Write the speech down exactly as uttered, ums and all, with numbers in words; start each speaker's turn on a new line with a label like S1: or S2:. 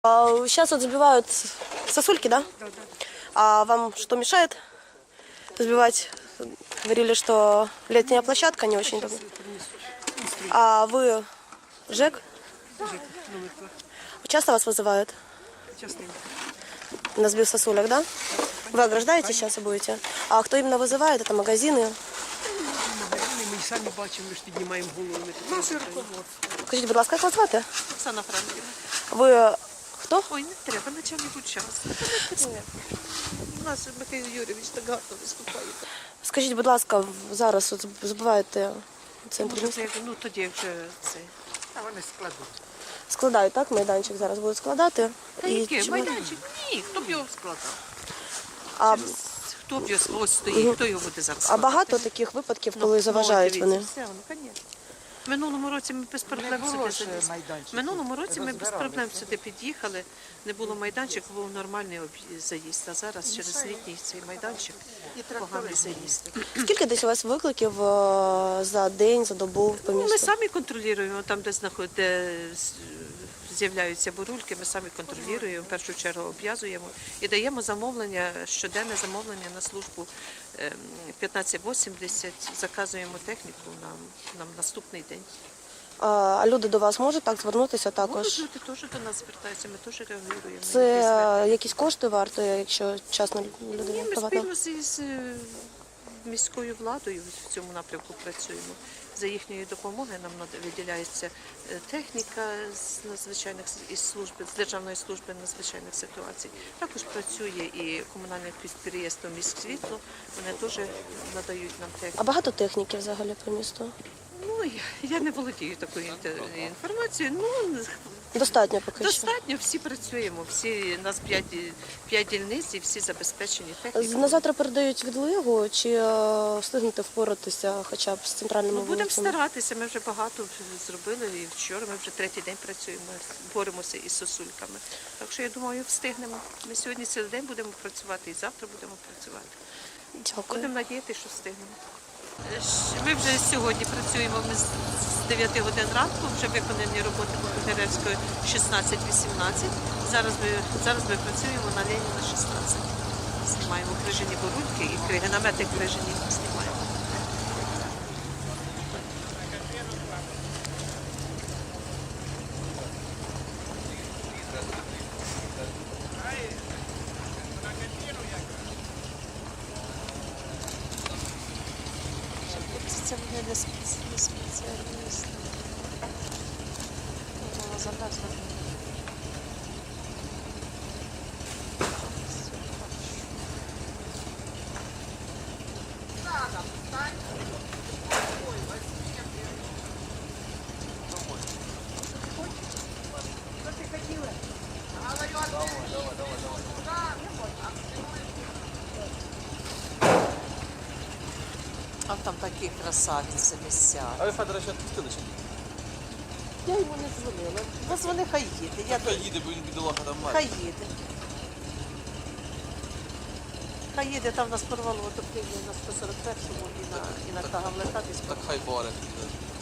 S1: Сейчас вот забивают сосульки, да?
S2: Да, да.
S1: А вам что мешает забивать? Говорили, что летняя площадка не очень удобна. А вы ЖЭК?
S2: Жек, номер два.
S1: Часто вас вызывают
S2: Частенько.
S1: на сбив сосулек, да? Вы ограждаете сейчас и будете? А кто именно вызывает? Это магазины?
S2: Магазини ми самі бачимо, ми ж піднімаємо голову. Наше руководство.
S1: Скажіть, будь ласка, як вас звати?
S2: Оксана Франківна.
S1: Ви хто?
S2: Ой, не треба, начальник участку. У нас Михайло Юрійович так гарно виступає.
S1: Скажіть, будь ласка, зараз от забиваєте в центрі
S2: Може,
S1: міста?
S2: це, ну, тоді вже це. А вони складуть.
S1: Складають, так? Майданчик зараз будуть складати.
S2: Та
S1: І
S2: який?
S1: чи-
S2: Майданчик? Ні, хто б його складав?
S1: А,
S2: Хто б його ось стоїть, хто його буде зараз
S1: а
S2: складати?
S1: багато таких випадків, коли заважають
S2: ну,
S1: вони?
S2: дивіться, все, ну, звісно. В минулому році ми без проблем сюди залізли. В минулому році ми без проблем сюди під'їхали, не було майданчику, був нормальний об'ї- заїзд, а зараз через літній цей майданчик поганий заїзд.
S1: Скільки десь у вас викликів е, за день, за добу по
S2: Ну, ми
S1: місту?
S2: самі контролюємо, там, де знаход- де з- з'являються бурульки, ми самі контролюємо, в першу чергу обв'язуємо і даємо замовлення, щоденне замовлення на службу ем, п'ятнадцять вісімдесят, заказуємо техніку на, на наступний день.
S1: А, а люди до вас можуть так звернутися також?
S2: Можуть люди теж до нас звертаються, ми теж реагуємо. на
S1: Це
S2: їхні звернення.
S1: е, якісь кошти варто, якщо чесно людина
S2: Ні, ми
S1: приватна?
S2: спільно з, з е, міською владою в цьому напрямку працюємо. За їхньої допомоги нам нада- виділяється е, техніка з надзвичайних с- із служби, з Державної служби надзвичайних ситуацій. Також працює і комунальне підприємство «Міськсвітло», вони теж надають нам техніку.
S1: А багато техніки взагалі по місту?
S2: Ну, я, я не володію такою інте- інформацією. Ну,
S1: Достатньо поки що.
S2: достатньо, всі працюємо, всі, нас п'ять, п'ять дільниць і всі забезпечені технікою.
S1: На завтра передають відлигу, чи е, встигнете впоратися хоча б з центральними
S2: Ми будемо
S1: вулицями?
S2: старатися, ми вже багато зробили і вчора, ми вже третій день працюємо, боремося із сосульками. Так що я думаю, встигнемо. Ми сьогодні цілий день будемо працювати і завтра будемо працювати.
S1: Дякую.
S2: Будемо надіятися, що встигнемо. Ми вже сьогодні працюємо ми з з дев'яти годин ранку, вже виконані роботи по Богеревської шістнадцять вісімнадцять. Зараз ми, зараз ми працюємо на Леніна шістнадцять. Знімаємо крижані бурульки і кри- намети крижані знімаємо. Це вони не спеці- не спеціалісти. Вона завезла. А там такі красавиці місця.
S3: А ви Федора ще відпустили чи ні?
S2: Я йому не дзвонила. Позвони, хай їде. Я
S3: Хай їде, бо він бідолага там має.
S2: Хай їде. Хай їде, там нас порвало отоплення на сто сорок першому і на, і на Кагавлета десь.
S3: Так хай боре.